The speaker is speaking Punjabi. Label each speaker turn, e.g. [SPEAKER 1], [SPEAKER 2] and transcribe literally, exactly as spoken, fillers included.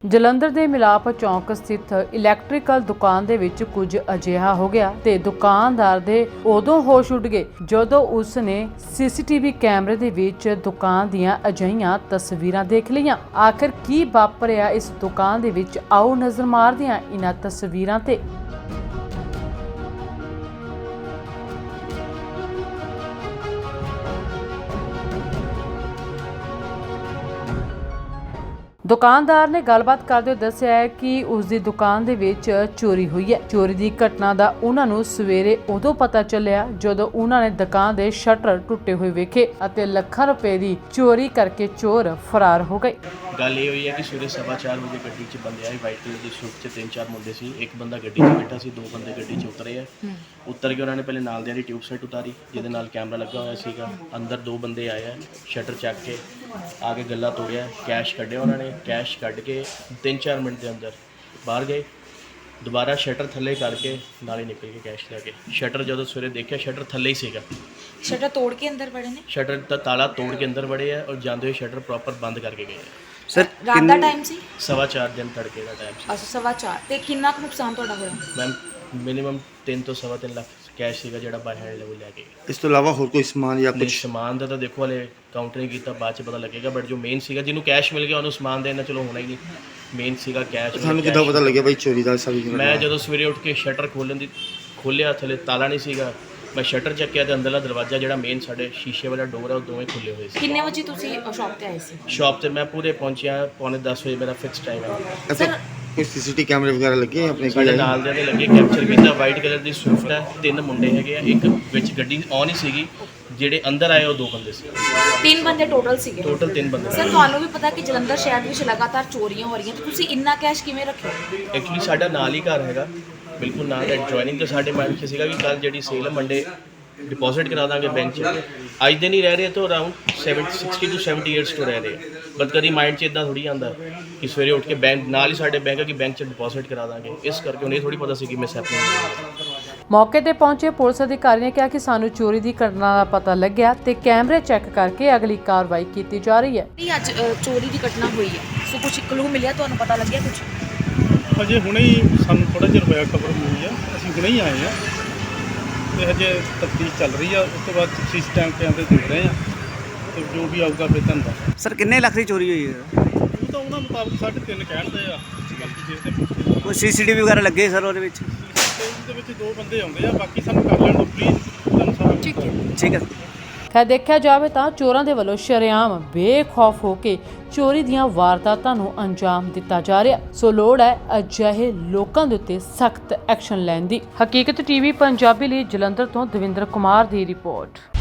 [SPEAKER 1] ਜਲੰਧਰ ਦੇ ਮਿਲਾਪ ਚੌਂਕ ਸਥਿਤ ਇਲੈਕਟ੍ਰੀਕਲ ਦੁਕਾਨ ਦੇ ਵਿੱਚ ਕੁਝ ਅਜਿਹਾ ਹੋ ਗਿਆ ਤੇ ਦੁਕਾਨਦਾਰ ਦੇ ਉਦੋਂ ਹੋਸ਼ ਉੱਡ ਗਏ ਜਦੋਂ ਉਸ ਨੇ ਸੀਸੀਟੀਵੀ ਕੈਮਰੇ ਦੇ ਵਿੱਚ ਦੁਕਾਨ ਦੀਆਂ ਅਜਿਹੀਆਂ ਤਸਵੀਰਾਂ ਦੇਖ ਲਈਆਂ। ਆਖਿਰ ਕੀ ਵਾਪਰਿਆ ਇਸ ਦੁਕਾਨ ਦੇ ਵਿੱਚ, ਆਓ ਨਜ਼ਰ ਮਾਰਦੇ ਹਾਂ ਇਹਨਾਂ ਤਸਵੀਰਾਂ ਤੇ। ਦੁਕਾਨਦਾਰ ਨੇ ਗੱਲਬਾਤ ਕਰਦੇ ਹੋਏ ਦੱਸਿਆ ਹੈ ਕਿ ਉਸ ਦੀ ਦੁਕਾਨ ਦੇ ਵਿੱਚ ਚੋਰੀ ਹੋਈ ਹੈ। ਚੋਰੀ ਦੀ ਘਟਨਾ ਦਾ ਉਹਨਾਂ ਨੂੰ ਸਵੇਰੇ ਉਦੋਂ ਪਤਾ ਚੱਲਿਆ ਜਦੋਂ ਉਹਨਾਂ ਨੇ ਦੁਕਾਨ ਦੇ ਸ਼ਟਰ ਟੁੱਟੇ ਹੋਏ ਵੇਖੇ ਅਤੇ ਲੱਖਾਂ ਰੁਪਏ ਦੀ ਚੋਰੀ ਕਰਕੇ ਚੋਰ ਫਰਾਰ ਹੋ ਗਏ।
[SPEAKER 2] ਗੱਲ ਇਹ ਹੋਈ ਹੈ ਕਿ ਸਵੇਰੇ ਸਵਾ ਚਾਰ ਵਜੇ ਗੱਡੀ 'ਚ ਬੰਦੇ ਆਏ, ਵਾਈਟ ਕਲਰ ਦੀ ਸੂਟ 'ਚ ਤਿੰਨ ਚਾਰ ਮੁੰਡੇ ਸੀ। ਇੱਕ ਬੰਦਾ ਗੱਡੀ 'ਚ ਬੈਠਾ ਸੀ, ਦੋ ਬੰਦੇ ਗੱਡੀ 'ਚ ਉਤਰੇ ਆ। ਉਤਰ ਕੇ ਉਹਨਾਂ ਨੇ ਪਹਿਲੇ ਨਾਲ ਦੀ ਟਿਊਬ ਸੈਟ ਉਤਾਰੀ ਜਿਹਦੇ ਨਾਲ ਕੈਮਰਾ ਲੱਗਾ ਹੋਇਆ ਸੀਗਾ। ਅੰਦਰ ਦੋ ਬੰਦੇ ਆਏ ਆ, ਸ਼ਟਰ ਚੱਕ ਕੇ ਆ ਕੇ ਗੱਲਾ ਤੋੜਿਆ, ਕੈਸ਼ ਕੱਢਿਆ ਉਹਨਾਂ ਨੇ। ਕੈਸ਼ ਕੱਢ ਕੇ ਤਿੰਨ ਚਾਰ ਮਿੰਟ ਦੇ ਅੰਦਰ ਬਾਹਰ ਗਏ, ਦੁਬਾਰਾ ਸ਼ਟਰ ਥੱਲੇ ਕਰਕੇ ਨਾਲ ਹੀ ਨਿਕਲ ਕੇ ਕੈਸ਼ ਲੈ ਕੇ। ਸ਼ਟਰ ਜਦੋਂ ਸਵੇਰੇ ਦੇਖਿਆ ਸ਼ਟਰ ਥੱਲੇ ਹੀ ਸੀਗਾ।
[SPEAKER 3] ਸ਼ਟਰ ਤੋੜ ਕੇ ਅੰਦਰ ਵੜੇ ਨੇ?
[SPEAKER 2] ਸ਼ਟਰ ਦਾ ਤਾਲਾ ਤੋੜ ਕੇ ਅੰਦਰ ਵੜੇ ਆ ਔਰ ਜਾਂਦੇ ਹੋਏ ਸ਼ਟਰ ਪ੍ਰੋਪਰ ਬੰਦ ਕਰਕੇ ਗਏ ਆ।
[SPEAKER 3] ਸਰ ਰਾਤ ਦਾ ਟਾਈਮ ਸੀ?
[SPEAKER 2] ਸਵਾ ਚਾਰ ਦਿਨ ਤੜਕੇ ਦਾ ਟਾਈਮ ਸੀ।
[SPEAKER 3] ਅੱਛਾ, ਸਵਾ ਚਾਰ। ਤੇ ਕਿੰਨਾ ਕੁ ਨੁਕਸਾਨ ਤੁਹਾਡਾ ਹੋਇਆ?
[SPEAKER 2] ਮੈਮ ਮਿਨੀਮਮ ਤਿੰਨ ਤੋਂ ਸਵਾ ਤਿੰਨ ਲੱਖ ਕੈਸ਼ ਸੀਗਾ ਜਿਹੜਾ ਬਾਈ ਹੈਂਡ ਲੈਵਲ ਲੈ ਕੇ ਗਏ।
[SPEAKER 4] ਇਸ ਤੋਂ ਇਲਾਵਾ ਹੋਰ ਕੋਈ ਸਮਾਨ ਜਾਂ
[SPEAKER 2] ਕੁਝ
[SPEAKER 4] ਕੁਝ?
[SPEAKER 2] ਸਮਾਨ ਦਾ ਤਾਂ ਦੇਖੋ ਹਲੇ ਕਾਊਂਟਰ ਨਹੀਂ ਕੀਤਾ, ਬਾਅਦ ਚ ਪਤਾ ਲੱਗੇਗਾ। ਬਟ ਜੋ ਮੇਨ ਸੀਗਾ, ਜਿਹਨੂੰ ਕੈਸ਼ ਮਿਲ ਗਿਆ ਉਹਨੂੰ ਸਮਾਨ ਦੇਣਾ ਚਲੋ ਹੋਣਾ ਹੀ ਨਹੀਂ। ਮੇਨ ਸੀਗਾ ਕੈਸ਼।
[SPEAKER 4] ਤੁਹਾਨੂੰ ਕਿੱਦਾਂ ਪਤਾ ਲੱਗਿਆ ਬਾਈ ਚੋਰੀ ਦਾ ਸਾਰੀ?
[SPEAKER 2] ਮੈਂ ਜਦੋਂ ਸਵੇਰੇ ਉੱਠ ਕੇ ਸ਼ਟਰ ਖੋਲ੍ਹਣ ਦੀ ਖੋਲ੍ਹਿਆ, ਥੱਲੇ ਤਾਲਾ ਨਹੀਂ ਸੀਗਾ। ਮੈਂ ਸ਼ਟਰ ਚੱਕਿਆ ਤੇ ਅੰਦਰਲਾ ਦਰਵਾਜ਼ਾ ਜਿਹੜਾ ਮੇਨ ਸਾਡੇ ਸ਼ੀਸ਼ੇ ਵਾਲਾ ਡੋਰ ਹੈ ਉਹ ਦੋਵੇਂ ਖੁੱਲੇ ਹੋਏ ਸੀ।
[SPEAKER 3] ਕਿੰਨੇ ਵਜੇ ਤੁਸੀਂ ਸ਼ਾਪ ਤੇ ਆਏ ਸੀ?
[SPEAKER 2] ਸ਼ਾਪ ਤੇ ਮੈਂ ਪੂਰੇ ਪਹੁੰਚਿਆ ਪੌਣੇ ਦਸ ਵਜੇ, ਮੇਰਾ ਫਿਕਸ ਟਾਈਮ ਹੈ।
[SPEAKER 4] ਅੱਛਾ, ਕੋਈ ਸੀਸੀਟੀ ਕੈਮਰੇ ਵਗੈਰਹ ਲੱਗੇ ਆਪਣੇ ਕੋਲ?
[SPEAKER 2] ਸਾਡੇ ਨਾਲ ਦੇ ਲੱਗੇ, ਕੈਪਚਰ ਕੀਤਾ। ਵਾਈਟ ਕਲਰ ਦੀ ਸਵਿਫਟ ਹੈ, ਤਿੰਨ ਮੁੰਡੇ ਹੈਗੇ ਆ। ਇੱਕ ਵਿੱਚ ਗੱਡੀ ਔਨ ਹੀ ਸੀਗੀ, ਜਿਹੜੇ ਅੰਦਰ ਆਏ ਉਹ ਦੋ ਬੰਦੇ ਸੀ।
[SPEAKER 3] ਤਿੰਨ ਬੰਦੇ ਟੋਟਲ ਸੀਗੇ?
[SPEAKER 2] ਟੋਟਲ ਤਿੰਨ ਬੰਦੇ।
[SPEAKER 3] ਸਰ ਤੁਹਾਨੂੰ ਵੀ ਪਤਾ ਕਿ ਜਲੰਧਰ ਸ਼ਹਿਰ ਵਿੱਚ ਲਗਾਤਾਰ ਚੋਰੀਆਂ ਹੋ ਰਹੀਆਂ, ਤੇ ਤੁਸੀਂ ਇੰਨਾ ਕੈਸ਼ ਕਿਵੇਂ ਰੱਖਿਆ?
[SPEAKER 2] ਐਕਚੁਅਲੀ ਸਾਡਾ ਨਾਲ ਹੀ ਘਰ ਹੈਗਾ, ਬਿਲਕੁਲ ਨਾਲ ਹੈ। ਜੁਆਇਨਿੰਗ ਤੇ ਸਾਡੇ ਮਾਈਂਡ 'ਚ ਸੀਗਾ ਕਿ ਕੱਲ ਜਿਹੜੀ ਸੇਲ ਹੈ ਮੰਡੇ ਡਿਪੋਜ਼ਿਟ ਕਰਾ ਦਾਂਗੇ ਬੈਂਕ 'ਚ। ਅੱਜ ਦੇ ਨਹੀਂ ਰਹਿ ਰਹੇ ਤਾਂ around seventy sixty two seventy years ਤੋਂ ਰਹਿ ਰਹੇ। ਬਟ ਕਦੀ ਮਾਈਂਡ 'ਚ ਇਦਾਂ ਥੋੜੀ ਆਉਂਦਾ ਕਿ ਸਵੇਰੇ ਉੱਠ ਕੇ ਬੈਂਕ ਨਾਲ ਹੀ ਸਾਡੇ ਬੈਂਕ ਹੈ ਕਿ ਬੈਂਕ 'ਚ ਡਿਪੋਜ਼ਿਟ ਕਰਾ ਦਾਂਗੇ। ਇਸ ਕਰਕੇ ਉਹਨੇ ਥੋੜੀ ਪਤਾ ਸੀ ਕਿ ਮਿਸ ਹੈਪਨਿੰਗ।
[SPEAKER 1] ਮੌਕੇ ਤੇ ਪਹੁੰਚੇ ਪੁਲਿਸ ਅਧਿਕਾਰੀ ਨੇ ਕਿਹਾ ਕਿ ਸਾਨੂੰ ਚੋਰੀ ਦੀ ਘਟਨਾ ਦਾ ਪਤਾ ਲੱਗਿਆ ਤੇ ਕੈਮਰੇ ਚੈੱਕ ਕਰਕੇ ਅਗਲੀ ਕਾਰਵਾਈ ਕੀਤੀ ਜਾ ਰਹੀ ਹੈ।
[SPEAKER 3] ਨਹੀਂ, ਅੱਜ ਅ, ਚੋਰੀ ਦੀ ਘਟਨਾ ਹੋਈ ਹੈ, ਸੋ ਕੁਝ ਕਲੂ ਮਿਲਿਆ, ਤੁਹਾਨੂੰ ਪਤਾ ਲੱਗਿਆ ਕੁਝ?
[SPEAKER 5] ਹਜੇ ਹੁਣੇ ਹੀ ਸਾਨੂੰ ਥੋੜ੍ਹਾ ਜਿਹਾ ਹੋਇਆ ਖਬਰ ਮਿਲੀ ਆ, ਅਸੀਂ ਹੁਣੇ ਹੀ ਆਏ ਆ ਤੇ ਹਜੇ ਤਫਤੀਸ਼ ਚੱਲ ਰਹੀ ਆ। ਉਸ ਤੋਂ ਬਾਅਦ ਸੀਸੀ ਟਾਈਮ ਕੈਮਰੇ ਦੇਖ ਰਹੇ ਆ ਤੇ ਜੋ ਵੀ ਆਊਗਾ ਫਿਰ ਤੁਹਾਨੂੰ ਦੱਸ।
[SPEAKER 6] ਸਰ ਕਿੰਨੇ ਲੱਖ ਦੀ ਚੋਰੀ ਹੋਈ ਹੈ?
[SPEAKER 5] ਉਹ ਤਾਂ ਉਹਨਾਂ ਮੁਤਾਬਕ ਸਾਢੇ ਤਿੰਨ ਕਹਿਣਦੇ ਆ, ਬਾਕੀ ਦੇਖਦੇ।
[SPEAKER 6] ਕੋਈ ਸੀਸੀਟੀਵੀ ਵਗੈਰਾ ਲੱਗੇ ਸਰ ਉਹਦੇ ਵਿੱਚ?
[SPEAKER 5] ਉਹਦੇ ਵਿੱਚ ਦੋ ਬੰਦੇ ਆਉਂਦੇ ਆ, ਬਾਕੀ ਸਾਨੂੰ ਕਰ ਲੈਣ ਦਿਓ ਪਲੀਜ਼, ਤੁਹਾਨੂੰ ਸਾਰਾ
[SPEAKER 3] ਠੀਕ ਹੈ
[SPEAKER 6] ਠੀਕ ਹੈ।
[SPEAKER 1] ਖੈਰ ਦੇਖਿਆ ਜਾਵੇ ਤਾਂ ਚੋਰਾਂ ਦੇ ਵੱਲੋਂ ਸ਼ਰੇਆਮ ਬੇਖੌਫ ਹੋ ਕੇ ਚੋਰੀ ਦੀਆਂ ਵਾਰਦਾਤਾਂ ਨੂੰ ਅੰਜਾਮ ਦਿੱਤਾ ਜਾ ਰਿਹਾ। ਸੋ ਲੋੜ ਹੈ ਅਜਿਹੇ ਲੋਕਾਂ ਦੇ ਉੱਤੇ ਸਖਤ ਐਕਸ਼ਨ ਲੈਣ ਦੀ। ਹਕੀਕਤ ਟੀਵੀ ਪੰਜਾਬੀ ਲਈ ਜਲੰਧਰ ਤੋਂ ਦਵਿੰਦਰ ਕੁਮਾਰ ਦੀ ਰਿਪੋਰਟ।